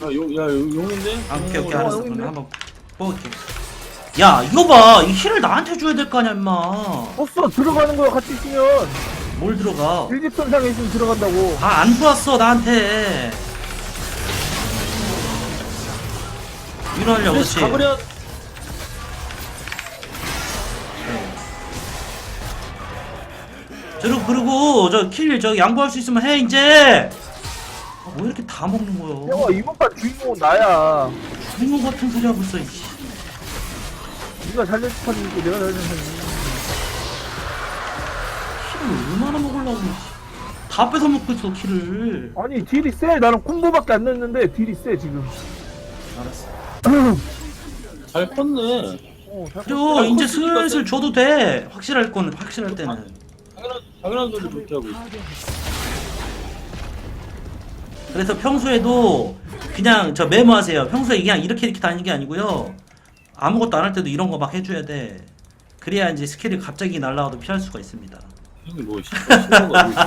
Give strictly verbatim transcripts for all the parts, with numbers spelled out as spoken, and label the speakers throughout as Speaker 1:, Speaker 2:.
Speaker 1: 야, 용, 야, 용, 용인데?
Speaker 2: 아, 오케이 오케이
Speaker 1: 어,
Speaker 2: 알았어.
Speaker 1: 용인데?
Speaker 2: 그러면 한번 뽑을게. 야 이거 봐, 이 힐을 나한테 줘야 될 거 아니야 임마.
Speaker 3: 없어 들어가는 거야 같이 있으면.
Speaker 2: 뭘 들어가?
Speaker 3: 일직선상에 있으면 들어간다고.
Speaker 2: 아 안 들어왔어 나한테. 일어나려고 그렇지.
Speaker 1: 가버려.
Speaker 2: 저리고 그리고 저 킬 저 양보할 수 있으면 해 이제. 아, 뭐 이렇게 다 먹는 거야?
Speaker 3: 형아 이번 판 주인공은 나야.
Speaker 2: 주인공 같은 소리 하고 있어. 이씨.
Speaker 3: 네가 잘려준 판이 있고 내가 잘려준 판이 있고.
Speaker 2: 킬을 얼마나 먹으려고? 다 뺏어 먹고 있어 킬을.
Speaker 3: 아니 딜이 세. 나는 콤보밖에 안 넣었는데 딜이 세 지금.
Speaker 2: 알았어.
Speaker 1: 잘 컸네.
Speaker 3: 어, 잘
Speaker 2: 그리고 이제
Speaker 1: 컸으니까
Speaker 2: 슬슬 줘도 돼. 확실할 건 확실할 때는.
Speaker 1: 당연한, 당연한 소리 그렇게 하고 있어.
Speaker 2: 그래서 평소에도 그냥 저 메모하세요. 평소에 그냥 이렇게 이렇게 다니는 게 아니고요. 아무것도 안 할 때도 이런 거 막 해줘야 돼. 그래야 이제 스킬이 갑자기 날라와도 피할 수가 있습니다.
Speaker 1: 형이 뭐, 씨발, 씨발 거 알고 있어.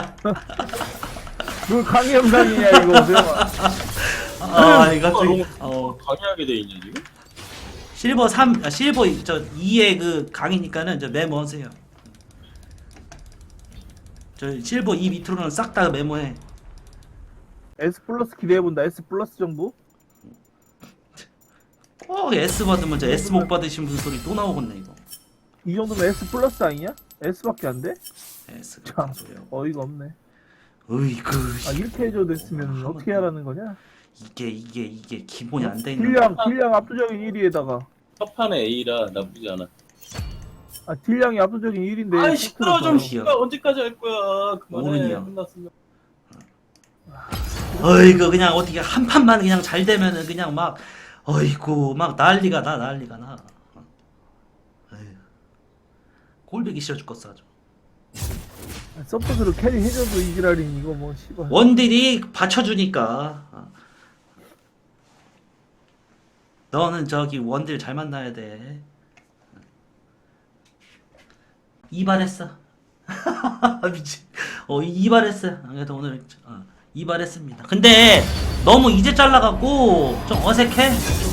Speaker 3: 그 강의 영상이냐 이거 배워.
Speaker 2: 아, 이 갑자기
Speaker 1: 너무
Speaker 2: 어
Speaker 1: 강의하게 돼 있냐, 지금?
Speaker 2: 실버 삼, 아, 실버 저 이의 그 강이니까는 저 메모하세요. 저 실버 이 밑으로는 싹 다 메모해.
Speaker 3: S 플러스 기대해본다. S 플러스 정도?
Speaker 2: 꼭 S 받으면 저 S 못 받으신 분 소리 또 나오겠네 이거.
Speaker 3: 이 정도면 S 플러스 아니냐? S밖에 안 돼?
Speaker 2: S가
Speaker 3: 참
Speaker 2: 무슨 소리야?
Speaker 3: 어이가 없네.
Speaker 2: 으이그
Speaker 3: 아 이렇게 해줘도 됐으면 어떻게 하라는 거냐?
Speaker 2: 이게 이게 이게 기본이 안 돼 있는.
Speaker 3: 딜량 딜량 압도적인 일 위에다가
Speaker 1: 첫 판에 A라 나쁘지 않아.
Speaker 3: 아 딜량이 압도적인 일 위인데
Speaker 1: 아이, 시끄러워, 좀,
Speaker 2: 시끄러.
Speaker 1: 씨발, 언제까지 할 거야. 그만해.
Speaker 2: 오른이야.
Speaker 1: 끝났으면.
Speaker 2: 어이구 그냥 어떻게 한 판만 그냥 잘 되면은 그냥 막 어이구 막 난리가 나 난리가 나. 어휴. 꼴보기 싫어 죽겠어 아주.
Speaker 3: 서포트로 캐리 해줘도 이지랄이니 이거 뭐 씨발.
Speaker 2: 원딜이 받쳐주니까. 어. 너는 저기 원딜 잘 만나야 돼. 이발했어. 미친. 어 이발했어. 그래도 오늘 어, 이발했습니다. 근데 너무 이제 잘라갖고 좀 어색해.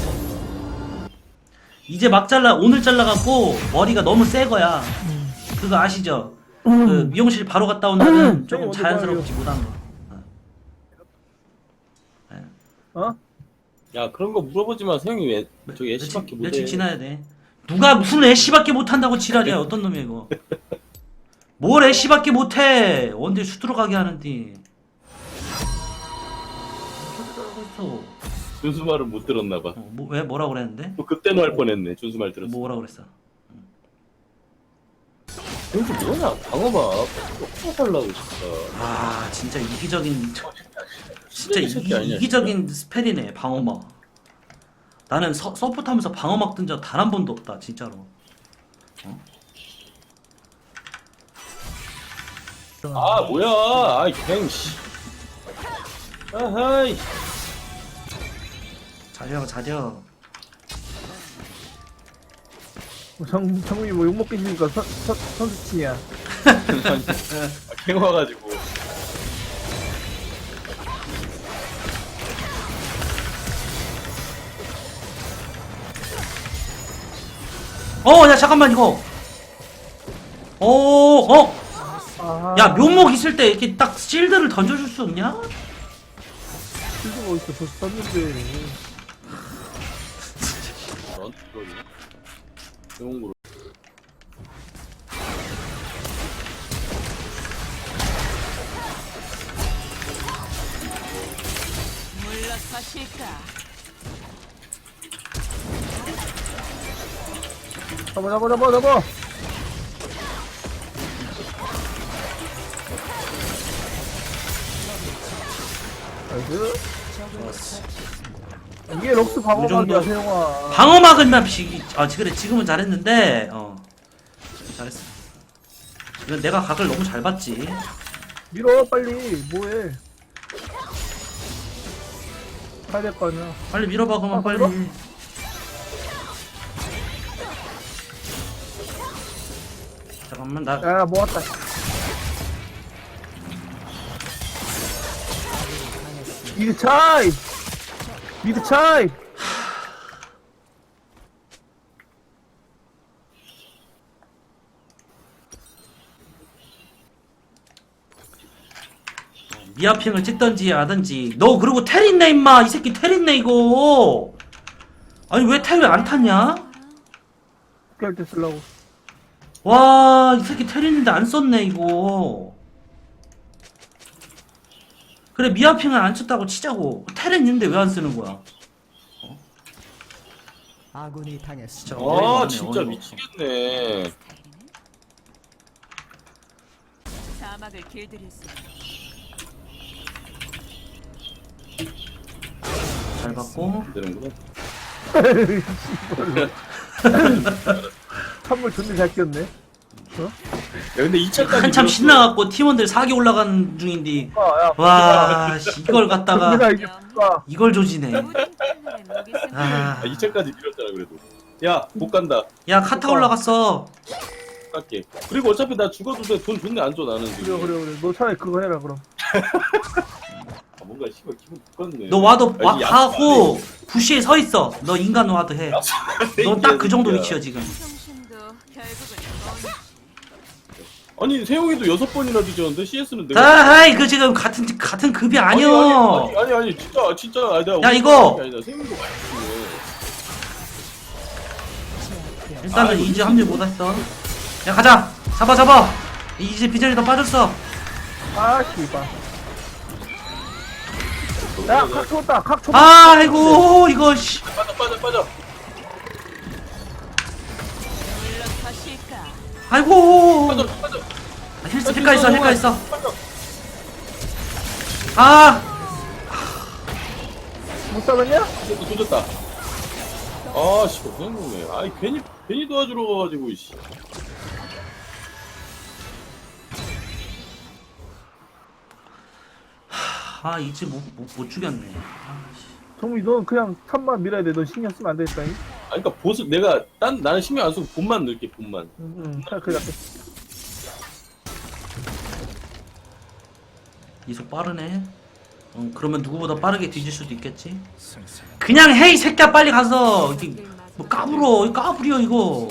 Speaker 2: 이제 막 잘라 오늘 잘라갖고 머리가 너무 새 거야. 그거 아시죠? 그 미용실 바로 갔다 온 날은 조금
Speaker 3: 먼저
Speaker 2: 자연스럽지 못한 거.
Speaker 3: 어?
Speaker 1: 야, 그런 거 물어보지 마. 형이 왜 저기 애쉬밖에 못해.
Speaker 2: 며칠 지나야 돼. 누가 무슨 애쉬밖에 못한다고 지랄이야. 어떤 놈이야 이거. 뭘 애쉬밖에 못해. 원딜 수 들어가게 하는데. 있어.
Speaker 1: 준수 말은 못 들었나 봐.
Speaker 2: 어, 뭐, 왜 뭐라 그랬는데?
Speaker 1: 또 그때는 할 뻔했네. 준수 말 들었어.
Speaker 2: 뭐라 그랬어?
Speaker 1: 준수 뭐냐? 방어막. 어떻게 살라고 진짜.
Speaker 2: 아 진짜 이기적인 진짜
Speaker 1: 쓰레기 새끼 아니야,
Speaker 2: 이, 이기적인 스펠이네 방어막. 나는 서, 서포트하면서 방어막 뜬 적 단 한 번도 없다 진짜로. 어?
Speaker 1: 아 뭐야? 아이 갱 씨. 아하이.
Speaker 2: 자려 자려.
Speaker 3: 정 정국이 뭐 욕먹기 싫으니까 선 선- 선수치야.
Speaker 1: 아, 갱 와가지고.
Speaker 2: 어, 야 잠깐만 이거. 어, 어,
Speaker 3: 아,
Speaker 2: 야 묘목 있을 때 이렇게 딱 실드를 던져줄 수 없냐?
Speaker 3: 실수가 어딨어 벌써 썼는데.
Speaker 1: 넌 그거니? 영웅으로.
Speaker 4: 물러서실까?
Speaker 3: 잡아 잡아 잡아 잡아. 나이스. 이게 럭스 방어막이야
Speaker 2: 정도-
Speaker 3: 세영아.
Speaker 2: 방어막은만 비, 아 그래 지금은 잘했는데, 어 잘했어. 이건 내가 각을 너무 잘 봤지.
Speaker 3: 밀어 빨리 뭐해. 가야 될 거 아니야.
Speaker 2: 빨리 밀어봐 그러면
Speaker 3: 아,
Speaker 2: 빨리.
Speaker 3: 밀어?
Speaker 2: 잠깐만 나.
Speaker 3: 야 모았다. 이게 차이. 미드 차이.
Speaker 2: 미아핑을 찍던지 하든지. 너 그리고 텔 있네 임마. 이 새끼 텔 있네 이거. 아니 왜 텔 왜 안 탔냐?
Speaker 3: 할때 쓰려고.
Speaker 2: 와, 이 새끼 텔 있는데 안 썼네 이거. 그래 미아핑을 안 쳤다고 치자고. 텔은 있는데 왜 안 쓰는 거야?
Speaker 5: 아군이 당했습니다.
Speaker 2: 진짜 어이가
Speaker 1: 아
Speaker 2: 없네,
Speaker 1: 진짜
Speaker 2: 어이가 없어.
Speaker 1: 미치겠네.
Speaker 4: 사막을 길들였습니다.
Speaker 2: 잘 받고.
Speaker 1: 안 되는구나.
Speaker 3: 선물 존나 잘 끼었네.
Speaker 1: 야 근데 이 차까지
Speaker 2: 한참
Speaker 1: 밀었어.
Speaker 2: 신나갖고 팀원들 사기 올라가는 중인데
Speaker 3: 아, 야,
Speaker 2: 와 씨, 이걸 갖다가
Speaker 3: 존나 이게 아,
Speaker 2: 이걸 조지네.
Speaker 4: 모든 채널에 목이 쓴
Speaker 2: 아,
Speaker 1: 아, 이 차까지 밀었잖아 그래도. 야 못 간다.
Speaker 2: 야 카타 올라갔어.
Speaker 1: 깎게. 그리고 어차피 나 죽어도 돼. 돈 존나 안 줘 나는
Speaker 3: 그래
Speaker 1: 지금.
Speaker 3: 그래 그래. 너 차라리 그거 해라 그럼.
Speaker 1: 아, 뭔가 씨발 기분 똑같네.
Speaker 2: 너 와도
Speaker 1: 아,
Speaker 2: 와,
Speaker 1: 이
Speaker 2: 하고 부시에 서 있어. 너 인간 와도 해. 너 딱 그 정도 위치야 지금.
Speaker 4: 정신도 결국은 뭔지.
Speaker 1: 아니 세용이도 여섯 번이나 뒤졌는데 씨에스는 내가.
Speaker 2: 아이 그 지금 같은 같은 급이
Speaker 1: 아니,
Speaker 2: 아니여.
Speaker 1: 아니 아니 아니 진짜 진짜 아니다.
Speaker 2: 야, 이거!
Speaker 1: 아니다. 세용이도 많이 뒤지네.
Speaker 2: 일단은
Speaker 1: 아,
Speaker 2: 이제
Speaker 1: 이거
Speaker 2: 합류 못했어. 야 가자. 잡아 잡아. 이제 비전이 더 빠졌어.
Speaker 3: 아 씨발. 야, 각 쳤다. 각 쳤다.
Speaker 2: 아 아이고 이거 씨.
Speaker 1: 빠져 빠져 빠져.
Speaker 4: 물러서실까?
Speaker 2: 아이고.
Speaker 1: 빠져 빠져.
Speaker 2: 아, 힐스 힐까 있어 힐까 있어.
Speaker 1: 빠져.
Speaker 2: 아
Speaker 3: 못 잡았냐?
Speaker 1: 또 조졌다. 아 씨발 그냥 먹네. 아이 괜히 괜히 도와주러 가가지고 씨.
Speaker 2: 아 이제 못, 못, 못 죽였네. 아, 씨.
Speaker 3: 정미 넌 그냥 탑만 밀어야 돼. 넌 신경 쓰면 안 되겠다잉.
Speaker 1: 아니 그러니까 보스 내가 딴 나는 신경 안 쓰고 본만 넣을게 본만.
Speaker 3: 응, 응. 차 그래.
Speaker 2: 이속 빠르네. 어, 그러면 누구보다 빠르게 뒤질 수도 있겠지. 그냥 헤이 새끼야 빨리 가서 이게 뭐 까불어 까불이야 이거.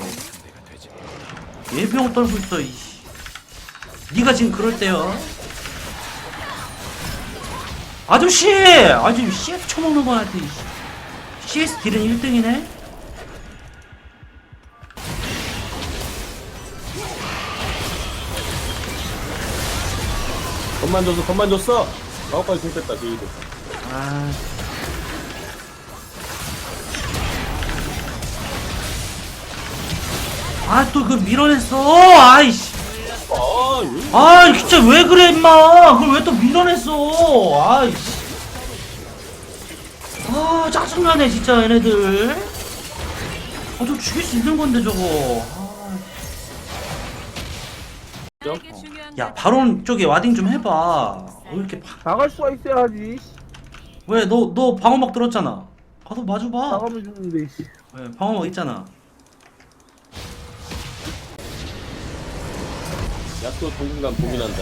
Speaker 2: 예병을 떨고 있어. 이씨. 네가 지금 그럴 때요. 아저씨! 아주 씨에스 쳐먹는 거한테 씨에스 딜은 일 등이네?
Speaker 1: 겁만 줬어 겁만 줬어. 마법까지 공 뺐다 제이도.
Speaker 2: 아. 아, 또 그 밀어냈어! 아이씨!
Speaker 1: 아 왜?
Speaker 2: 아, 진짜 왜 그래, 임마! 그걸 왜 또 밀어냈어! 아이씨! 아, 짜증나네, 진짜, 얘네들. 아, 저 죽일 수 있는 건데, 저거. 아.
Speaker 4: 나에게 중요한
Speaker 2: 야,
Speaker 4: 건
Speaker 2: 바론 쪽에 와딩 좀 해봐. 왜 이렇게 파...
Speaker 3: 나갈 수가 있어야지.
Speaker 2: 왜, 너, 너 방어막 들었잖아. 가서 마주봐.
Speaker 3: 나가면 죽는데. 씨.
Speaker 2: 왜, 방어막 있잖아.
Speaker 1: 야또 당분간 고민한다.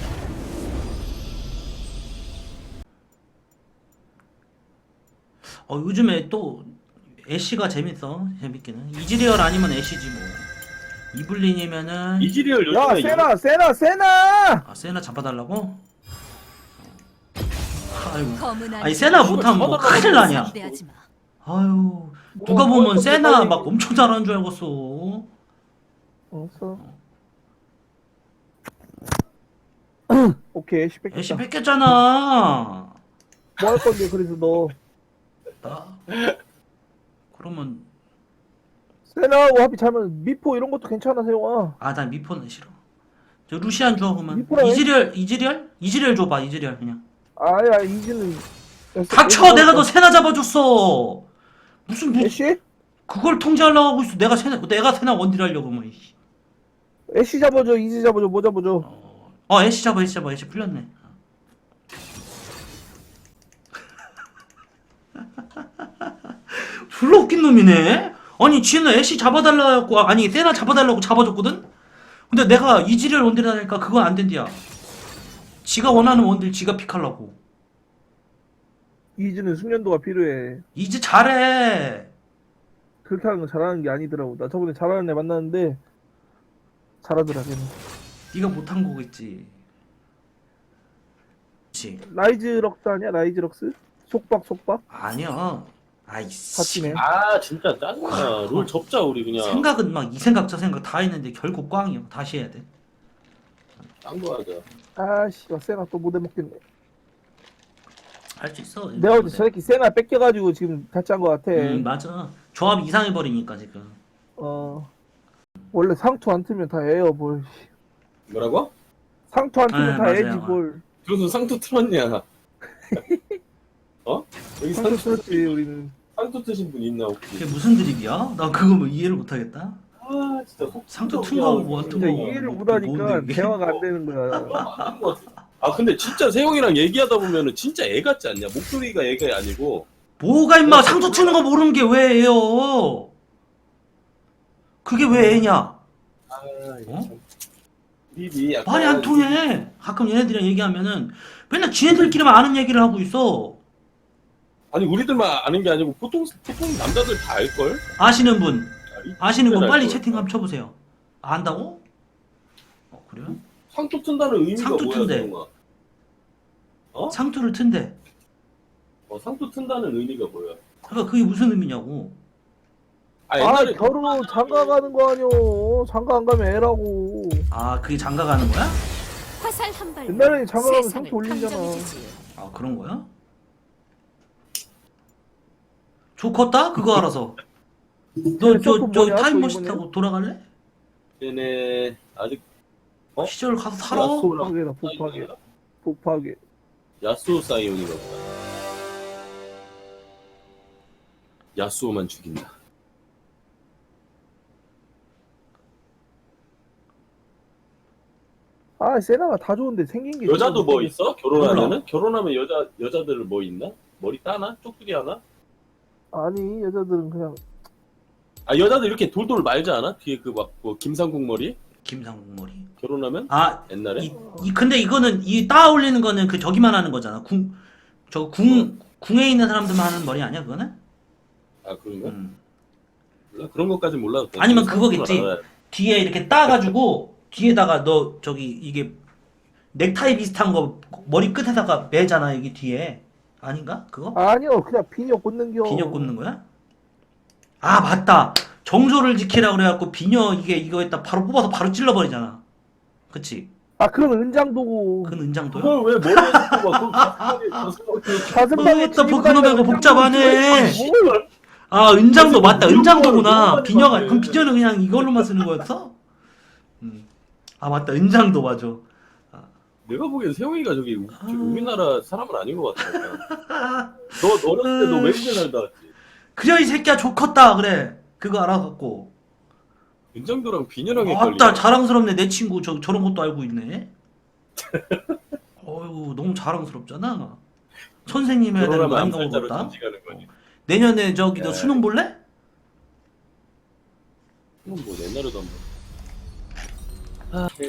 Speaker 2: 어, 요즘에 또 애쉬가 재밌어. 재밌기는. 이즈리얼 아니면 애쉬지 뭐. 이블린이면은
Speaker 1: 이지리얼
Speaker 3: 야,
Speaker 1: 요즘에
Speaker 3: 세나, 세나, 세나!
Speaker 2: 아 세나 잡아달라고? 아이고.
Speaker 4: 검은
Speaker 2: 아니 세나 못하면 뭐 큰일 나냐?
Speaker 4: 상대하지 마.
Speaker 2: 아유 누가
Speaker 3: 뭐,
Speaker 2: 보면
Speaker 3: 뭐,
Speaker 2: 세나
Speaker 3: 빨리-
Speaker 2: 막 엄청 잘하는 줄 알겠어.
Speaker 3: 없어. 오케이, 애쉬 뺏겼다.
Speaker 2: 애쉬 뺏겼잖아.
Speaker 3: 뭐 할 건데, 그래서 너.
Speaker 2: 나 그러면
Speaker 3: 세나하고 합이 잘면 미포 이런 것도 괜찮아, 세용아.
Speaker 2: 아 난 미포는 싫어. 저 루시안 줘 그러면.
Speaker 3: 미포라 해?
Speaker 2: 이즈리얼 이즈리얼 이즈리얼 줘봐 이즈리얼 그냥.
Speaker 3: 아야, 이지는.
Speaker 2: 닥쳐 내가 너 세나 잡아줬어. 무슨 무
Speaker 3: 애쉬?
Speaker 2: 그걸 통제하려고 하고 있어. 내가 세나 내가 세나 원딜 하려고 뭐. 이씨.
Speaker 3: 애쉬 잡아줘, 이지 잡아줘, 뭐 잡아줘.
Speaker 2: 어, 어 애쉬 잡아 애쉬 잡아 애쉬 풀렸네. 졸라 웃긴 놈이네. 아니 지는 애쉬 잡아달라고 아니 세나 잡아달라고 잡아줬거든. 근데 내가 이지리얼 원딜 하니까 그건 안 된디야. 지가 원하는 원딜 지가 픽하려고.
Speaker 3: 이즈는 숙련도가 필요해.
Speaker 2: 이제 잘해.
Speaker 3: 그렇게 하는 건 잘하는 게 아니더라고. 나 저번에 잘하는 애 만났는데 잘하더라 걔는.
Speaker 2: 네가 못한 거겠지. 그렇지.
Speaker 3: 라이즈 럭스 아니야? 라이즈 럭스? 속박 속박?
Speaker 2: 아니야. 아이씨.
Speaker 3: 같이네.
Speaker 1: 아 진짜 짜증나. 롤 접자 우리 그냥.
Speaker 2: 생각은 막 이 생각 저 생각 다 했는데 결국 꽝이야. 다시 해야 돼.
Speaker 1: 딴거 하자.
Speaker 3: 아씨, 세나 또 못 해먹겠네.
Speaker 2: 할 수 있어.
Speaker 3: 내가 볼때 저 새끼 세나 뺏겨가지고 지금 같이 한 거 같아.
Speaker 2: 음 맞아. 조합 이상해 버리니까 지금.
Speaker 3: 어. 원래 상투 안 틀면 다 애요 뭘.
Speaker 1: 뭐라고?
Speaker 3: 상투 안 틀면
Speaker 2: 네,
Speaker 3: 다
Speaker 2: 맞아요.
Speaker 3: 애지 뭘.
Speaker 1: 무슨 상투 틀었냐? 어? 여기
Speaker 3: 상투
Speaker 1: 상투
Speaker 3: 틀었지 우리는.
Speaker 1: 상투 트신 분 있나
Speaker 2: 그게
Speaker 1: 혹시?
Speaker 2: 무슨 드립이야? 나 그거 뭐 이해를 못 하겠다.
Speaker 1: 아 진짜 속
Speaker 2: 상투 튼 거하고 뭐
Speaker 3: 진짜
Speaker 2: 튼 거.
Speaker 3: 이해를
Speaker 2: 뭐,
Speaker 3: 못하니까
Speaker 2: 뭔데, 이게?
Speaker 3: 대화가 안 되는 거야.
Speaker 1: 맞는 것 같아. 아 근데 진짜 세영이랑 얘기하다 보면은 진짜 애 같지 않냐? 목소리가 애가 아니고.
Speaker 2: 뭐가 임마 상투 트는 거 모르는 게 왜 애요? 그게 왜 애냐?
Speaker 1: 아 이거
Speaker 2: 어?
Speaker 1: 참. 입이 약간
Speaker 2: 말이 안 통해. 가끔 얘네들이랑 얘기하면은 맨날 지네들끼리만 아는 얘기를 하고 있어.
Speaker 1: 아니 우리들만 아는 게 아니고 보통 보통 남자들 다 알걸?
Speaker 2: 아시는 분, 아시는 분 빨리
Speaker 1: 알걸.
Speaker 2: 채팅 한번 쳐보세요. 안다고? 어 그래요?
Speaker 1: 상투 튼다는 의미가
Speaker 2: 상투
Speaker 1: 뭐야,
Speaker 2: 튼대.
Speaker 1: 세영아? 어?
Speaker 2: 상투를 튼대.
Speaker 1: 어, 상투 튼다는 의미가 뭐야?
Speaker 2: 그러니까 그게 무슨 의미냐고.
Speaker 1: 아
Speaker 3: 아
Speaker 1: 옛날에
Speaker 3: 결혼 장가 가는 거 아니오. 장가 안 가면 애라고.
Speaker 2: 아 그게 장가 가는 거야?
Speaker 4: 화살 한 발.
Speaker 3: 옛날에 장가 가면
Speaker 4: 세상을
Speaker 3: 상투 올리잖아.
Speaker 4: 탐정해주지.
Speaker 2: 아 그런 거야? 좋겠다? 그거 알아서. 너 저
Speaker 3: 조금
Speaker 2: 저
Speaker 3: 뭐냐, 또
Speaker 2: 타임머신
Speaker 3: 이번에?
Speaker 2: 타고 돌아갈래?
Speaker 1: 얘네 아직 어?
Speaker 2: 시절 가서 살아.
Speaker 1: 야쏘랑
Speaker 3: 복파괴다 복파괴. 복파괴.
Speaker 1: 야스오 사이온이가 보다. 야스오만 죽인다.
Speaker 3: 아 세나가 다 좋은데 생긴 게.
Speaker 1: 여자도 뭐
Speaker 3: 좀-
Speaker 1: 있어? 결혼하면은? 결혼하면 여자 여자들 뭐 있나? 머리 따나? 쪽두리 하나?
Speaker 3: 아니 여자들은 그냥
Speaker 1: 아 여자들 이렇게 돌돌 말지 않아? 뒤에 그 막 뭐 김상국 머리?
Speaker 2: 김상국 머리.
Speaker 1: 결혼하면?
Speaker 2: 아
Speaker 1: 옛날에?
Speaker 2: 이, 이 근데 이거는 이 따 올리는 거는 그 저기만 하는 거잖아. 궁 저 궁 궁에 있는 사람들만 하는 머리 아니야 그거는?
Speaker 1: 아 그런가?
Speaker 2: 음.
Speaker 1: 몰라? 그런 것까지 몰라.
Speaker 2: 아니면 그거겠지. 뒤에 이렇게 따가지고 뒤에다가 너 저기 이게 넥타이 비슷한 거 머리 끝에다가 매잖아 여기 뒤에 아닌가 그거?
Speaker 3: 아니요 그냥 비녀 꽂는겨.
Speaker 2: 비녀 꽂는 거야? 아 맞다. 정조를 지키라 그래갖고 비녀 이게 이거에다 바로 뽑아서 바로 찔러버리잖아. 그치?
Speaker 3: 아 그러면 은장도고.
Speaker 2: 그건 은장도야?
Speaker 1: 그걸 왜 머리에 쓰고 막 가슴에 가슴에
Speaker 3: 가슴방에
Speaker 2: 어, 또 복근호배가 복잡하네. 아 은장도 맞다. 은장도구나. 비녀가 그럼 비녀는 그냥 이걸로만 쓰는 거였어? 음. 아 맞다. 은장도 맞아.
Speaker 1: 내가 보기엔 세영이가 저기 우- 저기 우리나라 사람은 아닌 것 같아. 너 어렸을 때 너 외국에 살다 왔지?
Speaker 2: 그래 이 새끼야 좋겠다 그래. 그거 알아갖고.
Speaker 1: 윤정도랑 비녀랑 헷갈리네.
Speaker 2: 아따 자랑스럽네 내 친구 저 저런 것도 알고 있네. 어휴 너무 자랑스럽잖아. 선생님 해야 되는 거
Speaker 1: 결혼하면
Speaker 2: 아닌가
Speaker 1: 암살자로
Speaker 2: 모르겠다.
Speaker 1: 전직하는 거지.
Speaker 2: 내년에 저기 너
Speaker 1: 네.
Speaker 2: 수능 볼래?
Speaker 1: 그건 뭐 옛날에도 한번.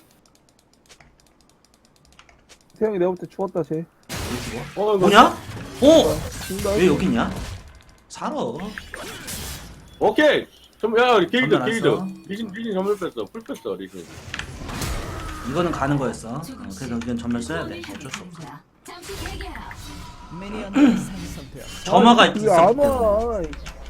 Speaker 3: 세영이 내가 볼 때 죽었다 쟤.
Speaker 1: 어, 이거
Speaker 2: 뭐냐? 어?
Speaker 3: 죽는다.
Speaker 2: 왜 여기 있냐? 살아.
Speaker 1: 오케이. 좀 야, 우리 길드
Speaker 2: 전멸 안
Speaker 1: 길드.
Speaker 2: 써.
Speaker 1: 리신 리신 전멸 뺐어. 풀 뺐어 리신.
Speaker 2: 이거는 가는 거였어. 어, 그래서 이건 전멸 써야 돼. 어쩔 수 없어. 점화가
Speaker 3: 이게
Speaker 2: 있어.
Speaker 3: 안 와.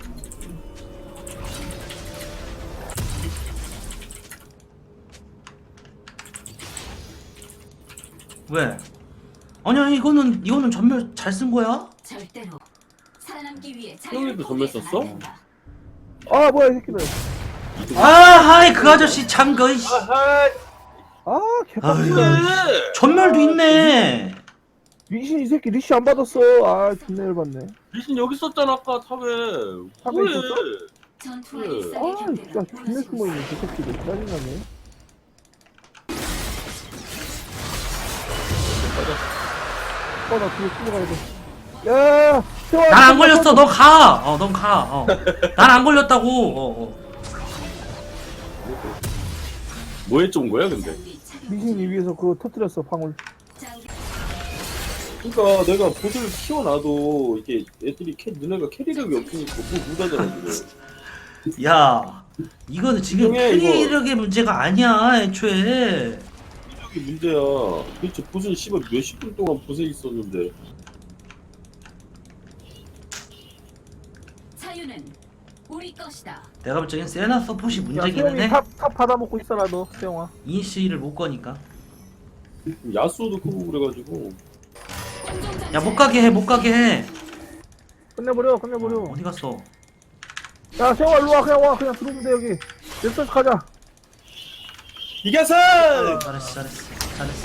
Speaker 2: 왜? 아니야 이거는 이거는 전멸 잘 쓴 거야?
Speaker 5: 절대로 살아남기 위해
Speaker 1: 형님도 전멸 썼어?
Speaker 3: 아 뭐야 이 새끼들.
Speaker 2: 아 하이 그 아저씨 참 거. 이씨.
Speaker 1: 아하.
Speaker 3: 아
Speaker 2: 아유.
Speaker 3: 개빡치다.
Speaker 1: 왜?
Speaker 2: 전멸도 있네.
Speaker 3: 리신 이 새끼 리시 안 받았어. 아 존나 열받네.
Speaker 1: 리신 여기 썼잖아 아까 탑에.
Speaker 3: 탑에
Speaker 1: 뭐해?
Speaker 3: 있었어?
Speaker 5: 전투와
Speaker 1: 그-
Speaker 5: 일상의
Speaker 3: 아
Speaker 5: 곁들여
Speaker 3: 진짜 존나 숨어있네 저 새끼들. 짜증나네. 어나 뒤에 숨어가야 돼. 야 세영아.
Speaker 2: 난 안 걸렸어. 너 가. 어, 넌 가. 어. 난 안 걸렸다고. 어, 어.
Speaker 1: 뭐에 쫀 거야 근데?
Speaker 3: 리신이 위에서 그거 터뜨렸어 방울.
Speaker 1: 그러니까 내가 보드를 키워놔도 이게 애들이 캐, 너네가 캐리력이 없으니까 뭐 못하잖아 지금.
Speaker 2: 야 이거는 지금
Speaker 1: 분명해, 이거.
Speaker 2: 캐리력의 문제가 아니야 애초에.
Speaker 1: 캐리력이 문제야. 도대체 보드는 씨발 몇십 분 동안 보세 있었는데.
Speaker 5: 자유는 우리 것이다.
Speaker 2: 내가 볼 적엔 세나 서폿이
Speaker 3: 야
Speaker 2: 문제기는
Speaker 3: 세용이
Speaker 2: 해.
Speaker 3: 탑, 탑 받아먹고 있어라 너 세용아.
Speaker 2: 이니시를 못 거니까.
Speaker 1: 야수도 크고 그래가지고.
Speaker 2: 야 못 가게 해 못 가게 해.
Speaker 3: 끝내버려 끝내버려.
Speaker 2: 어디 갔어?
Speaker 3: 야 세용아 일로와 그냥 와 그냥 들어오면 돼 여기. 넥서스 가자.
Speaker 1: 이겼어!
Speaker 2: 잘했어 잘했어 잘했어.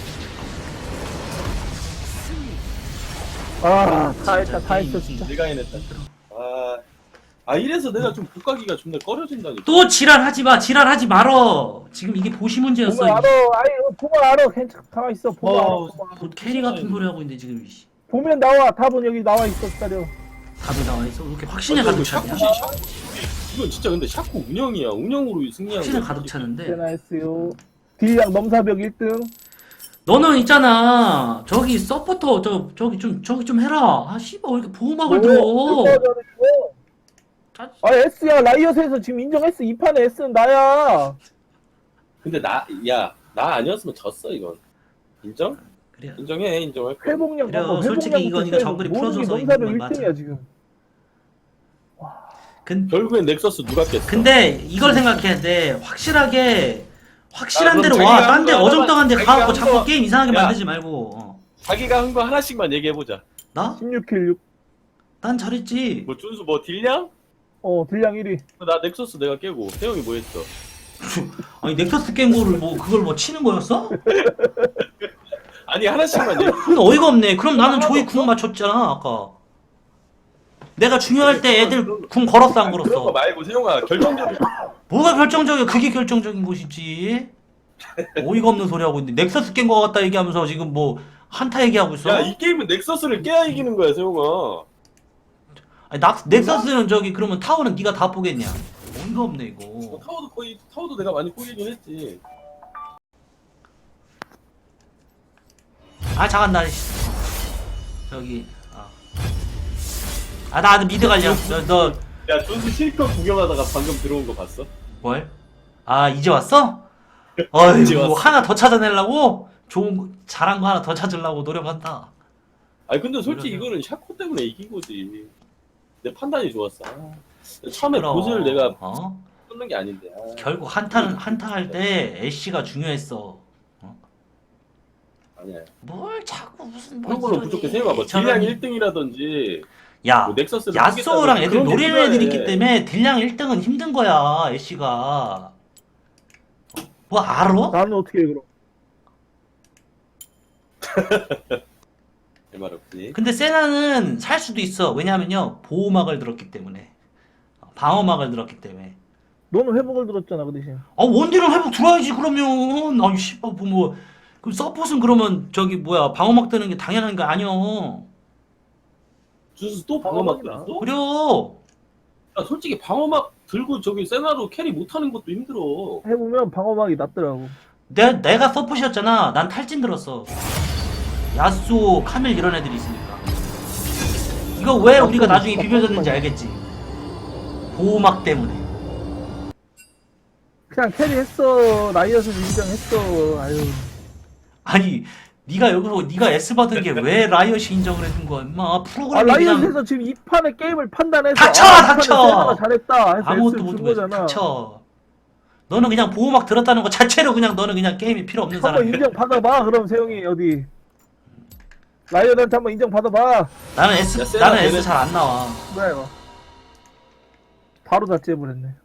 Speaker 3: 아다 했다 다 했어
Speaker 2: 게임
Speaker 3: 진짜.
Speaker 1: 내가 해냈다. 아, 아 이래서 내가 좀 복가기가 존나 꺼려진다니까.
Speaker 2: 또 지랄하지 마 지랄하지 말어. 지금 이게 보시 문제였어.
Speaker 3: 보면 알아. 아이 보면 알아. 괜찮 가만 있어. 보면 알아.
Speaker 1: 어,
Speaker 3: 보면 알아.
Speaker 2: 곧 캐리 같은 소리 하고 있는데 지금 이씨.
Speaker 3: 보면 나와. 답은 여기 나와 있어 기다려.
Speaker 2: 답이 나와 있어. 왜 이렇게 확신에
Speaker 1: 아,
Speaker 2: 가득
Speaker 1: 이거
Speaker 2: 차냐?
Speaker 1: 샤코, 샤코, 이건 진짜 근데 샤코 운영이야. 운영으로 승리한
Speaker 2: 확신에
Speaker 1: 거야.
Speaker 2: 가득 차는데.
Speaker 3: 제나 했어요. 딜량 넘사벽 일 등.
Speaker 2: 너는 있잖아 저기 서포터 저 저기 좀 저기 좀 해라. 아 씨발 왜 이렇게 보호막을 들어? 짜-
Speaker 3: 아 S야 라이엇에서 지금 인정했어. 이 판에 S는 나야.
Speaker 1: 근데 나, 야, 나 아니었으면 졌어 이건. 인정?
Speaker 2: 그래.
Speaker 1: 인정해, 인정할 거야.
Speaker 3: 회복량
Speaker 2: 그래요.
Speaker 3: 봐봐.
Speaker 2: 솔직히
Speaker 3: 회복량부터
Speaker 2: 이건 이거
Speaker 3: 해서
Speaker 2: 정글이
Speaker 3: 모든 게
Speaker 2: 풀어줘서
Speaker 3: 넘사벽
Speaker 2: 있는 건
Speaker 3: 일 등이야
Speaker 2: 맞아.
Speaker 3: 지금.
Speaker 2: 근
Speaker 1: 결국엔 넥서스 누가 깼어?
Speaker 2: 근데 이걸 생각해야 돼. 확실하게 확실한
Speaker 1: 아,
Speaker 2: 대로
Speaker 1: 그럼
Speaker 2: 와.
Speaker 1: 자기가
Speaker 2: 딴 데
Speaker 1: 한 거
Speaker 2: 어정쩡한 데
Speaker 1: 자기가
Speaker 2: 가갖고
Speaker 1: 한
Speaker 2: 자꾸
Speaker 1: 거-
Speaker 2: 게임 이상하게
Speaker 1: 야.
Speaker 2: 만들지 말고. 어.
Speaker 1: 자기가 한 거 하나씩만 얘기해보자.
Speaker 2: 나?
Speaker 3: 십육 킬 육.
Speaker 2: 난 잘했지.
Speaker 1: 뭐 준수 뭐 딜량?
Speaker 3: 어 딜량 일 위.
Speaker 1: 나 넥서스 내가 깨고 태영이 뭐 했어?
Speaker 2: 아니 넥서스 깬 거를 뭐 그걸 뭐 치는 거였어?
Speaker 1: 아니 하나씩만 얘기.
Speaker 2: 근데 어이가 없네. 그럼 나는
Speaker 1: 하나도
Speaker 2: 조이
Speaker 1: 없어?
Speaker 2: 궁 맞췄잖아 아까. 내가 중요할 때
Speaker 1: 그래,
Speaker 2: 애들
Speaker 1: 그런-
Speaker 2: 궁 걸었어 안
Speaker 1: 아니, 그런 거
Speaker 2: 걸었어?
Speaker 1: 말고 세영아 결정적인.
Speaker 2: 뭐가 결정적이야? 그게 결정적인 것이지. 어이가 없는 소리 하고 있는데 넥서스 깬 거 같다 얘기하면서 지금 뭐 한타 얘기하고 있어?
Speaker 1: 야 이 게임은 넥서스를 깨야 이기는 거야 세영아.
Speaker 2: 아니, 나, 넥서스는 저기 그러면 타워는 네가 다 보겠냐? 어이가 없네
Speaker 1: 어,
Speaker 2: 이거.
Speaker 1: 타워도 거의 타워도 내가 많이 꼬이긴 했지.
Speaker 2: 아 잠깐 나 씨. 저기 아. 아 나 미드 갈려. 너, 너
Speaker 1: 야 준수 실컷 구경하다가 방금 들어온 거 봤어?
Speaker 2: 뭘? 아 이제 왔어? 어이
Speaker 1: 이제
Speaker 2: 뭐
Speaker 1: 왔어.
Speaker 2: 하나 더 찾아내려고? 좋은 거, 잘한 거 하나 더 찾으려고 노력한다.
Speaker 1: 아니 근데 솔직히
Speaker 2: 그러세요.
Speaker 1: 이거는 샤코 때문에 이긴 거지. 내 판단이 좋았어. 아, 처음에
Speaker 2: 그럼,
Speaker 1: 보스를 내가
Speaker 2: 어?
Speaker 1: 끊는 게 아닌데. 아.
Speaker 2: 결국 한타는 한타 할 때 애쉬가 중요했어.
Speaker 1: 아니야.
Speaker 2: 뭘 자꾸 무슨 뭐
Speaker 1: 그런 걸로
Speaker 2: 이러니.
Speaker 1: 부족해. 세영아 뭐
Speaker 2: 저런-
Speaker 1: 딜량 일 등이라든지
Speaker 2: 야
Speaker 1: 뭐 넥서스를
Speaker 2: 야쏘랑
Speaker 1: 하겠다든지
Speaker 2: 애들
Speaker 1: 그런 게
Speaker 2: 노리는
Speaker 1: 필요해.
Speaker 2: 애들이 있기 때문에 딜량 일 등은 힘든 거야 애쉬가. 뭐 알아?
Speaker 3: 나는 어떻게 해 그럼?
Speaker 1: 내 말 없지.
Speaker 2: 근데 세나는 살 수도 있어. 왜냐면요 보호막을 들었기 때문에, 방어막을 들었기 때문에.
Speaker 3: 너는 회복을 들었잖아 그 대신.
Speaker 2: 아 원딜은 회복 들어야지 그러면. 아이 씨발 뭐 그럼 서폿은 그러면 저기 뭐야 방어막 드는 게 당연한 거 아니여.
Speaker 1: 준수 또 방어막
Speaker 3: 방어막이다.
Speaker 1: 들었어?
Speaker 2: 그래요.
Speaker 1: 야, 솔직히 방어막 들고 저기 세나로 캐리 못하는 것도 힘들어.
Speaker 3: 해보면 방어막이 낫더라고.
Speaker 2: 내, 내가 서폿이었잖아. 난 탈진 들었어. 야쏘, 카밀 이런 애들이 있으니까. 이거 왜 우리가 나중에 비벼졌는지 알겠지? 보호막 때문에.
Speaker 3: 그냥 캐리했어. 라이엇은 인정했어. 아유.
Speaker 2: 아니 네가 여기서 네가 S 받은 게 왜 라이엇이 인정을 해준 거야 임마.
Speaker 3: 아
Speaker 2: 프로그램이 그냥
Speaker 3: 라이엇에서 지금 이 판의 게임을 판단해서
Speaker 2: 닥쳐,
Speaker 3: 아, 이 판에
Speaker 2: 닥쳐!
Speaker 3: 세나가 잘했다 해서
Speaker 2: 아무것도
Speaker 3: S를 준
Speaker 2: 못해.
Speaker 3: 거잖아.
Speaker 2: 닥쳐. 너는 그냥 보호막 들었다는 거 자체로 그냥 너는 그냥 게임이 필요 없는
Speaker 3: 한번
Speaker 2: 사람이야.
Speaker 3: 인정 받아봐. 그럼 세영이 어디 라이엇한테 한번 인정 받아봐.
Speaker 2: 나는 S
Speaker 1: 야, 세나
Speaker 2: 나는 S
Speaker 1: 걔네-
Speaker 2: 잘 안 나와.
Speaker 3: 뭐야 이거. 바로 다찌해버렸네.